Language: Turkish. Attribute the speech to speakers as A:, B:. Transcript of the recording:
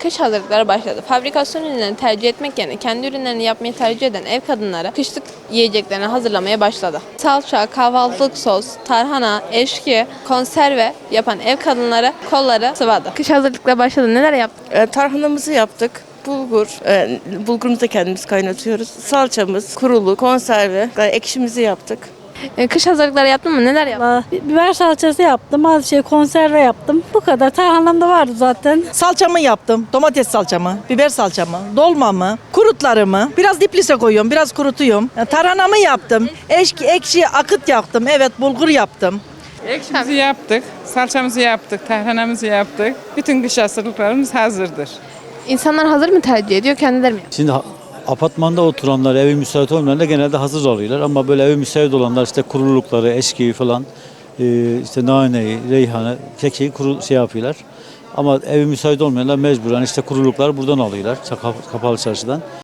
A: Kış hazırlıkları başladı. Fabrikasyon ürünlerini tercih etmek yerine kendi ürünlerini yapmayı tercih eden ev kadınları kışlık yiyeceklerini hazırlamaya başladı. Salça, kahvaltılık sos, tarhana, eşki, konserve yapan ev kadınları kolları sıvadı. Kış hazırlıkları başladı. Neler yaptı?
B: Tarhanamızı yaptık. Bulgurumuzu da kendimiz kaynatıyoruz. Salçamız, kurulu, konserve, ekşimizi yaptık.
A: Kış hazırlıkları yaptın mı? Neler yaptın?
C: Biber salçası yaptım, az konserve yaptım. Bu kadar. Tarhanam da vardı zaten.
D: Salçamı yaptım. Domates salçamı, biber salçamı, dolmamı, kurutlarımı. Biraz diplise koyuyorum, biraz kurutuyorum. Tarhanamı yaptım. Ekşi akıt yaptım. Evet, bulgur yaptım.
E: Ekşimizi yaptık, salçamızı yaptık, tarhanamızı yaptık. Bütün kış hazırlıklarımız hazırdır.
A: İnsanlar hazır mı tercih ediyor, kendileri mi?
F: Şimdi apartmanda oturanlar, evi müsait olmayanlar genelde hazır alıyorlar. Ama böyle evi müsait olanlar işte kurulukları, eşkiyi falan, işte naneyi, reyhanı, kekiği yapıyorlar. Ama evi müsait olmayanlar mecburen işte kurulukları buradan alıyorlar, kapalı çarşıdan.